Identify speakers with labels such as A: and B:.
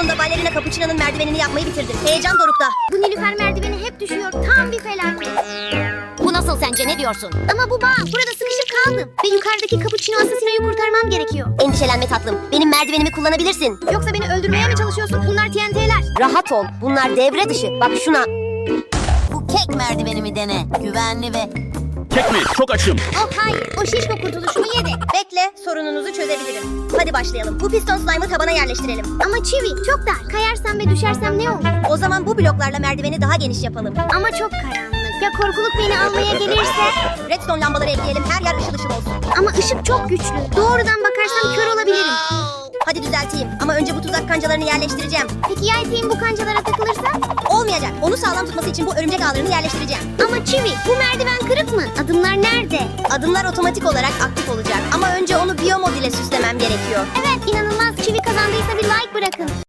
A: Sonunda balerina Cappuccino'nun merdivenini yapmayı bitirdim. Heyecan dorukta.
B: Bu Nilüfer merdiveni hep düşüyor. Tam bir felaket.
C: Bu nasıl sence, ne diyorsun?
B: Ama bu bağ, burada sıkışıp kaldım. Ve yukarıdaki Cappuccino asasinoyu kurtarmam gerekiyor.
A: Endişelenme tatlım. Benim merdivenimi kullanabilirsin.
B: Yoksa beni öldürmeye mi çalışıyorsun? Bunlar TNT'ler.
A: Rahat ol. Bunlar devre dışı. Bak şuna.
C: Bu kek merdivenimi dene. Güvenli ve...
D: Kek mi? Çok açım.
B: Oh hayır, o şişko kurtuluşumu yedi.
A: Bekle, sorununuzu çözebilirim. Hadi başlayalım. Bu piston slime'ı tabana yerleştirelim.
B: Ama çivi çok dar. Kayarsam ve düşersem ne olur?
A: O zaman bu bloklarla merdiveni daha geniş yapalım.
B: Ama çok karanlık. Ya korkuluk beni almaya gelirse?
A: Redstone lambaları ekleyelim. Her yer ışıl ışıl olsun.
B: Ama ışık çok güçlü. Doğrudan bakarsam kör olabilirim.
A: Hadi düzelteyim. Ama önce bu tuzak kancalarını yerleştireceğim.
B: Peki ya eteğim bu kancalara takılırsa?
A: Olmayacak. Onu sağlam tutması için bu örümcek ağlarını yerleştireceğim.
B: Ama çivi, bu merdiven kırık mı? Adımlar nerede?
A: Adımlar otomatik olarak aktif olacak. Ama önce onu biyomod ile süslemem gerekiyor.
B: Evet, inanılmaz. Çivi kazandıysa bir like bırakın.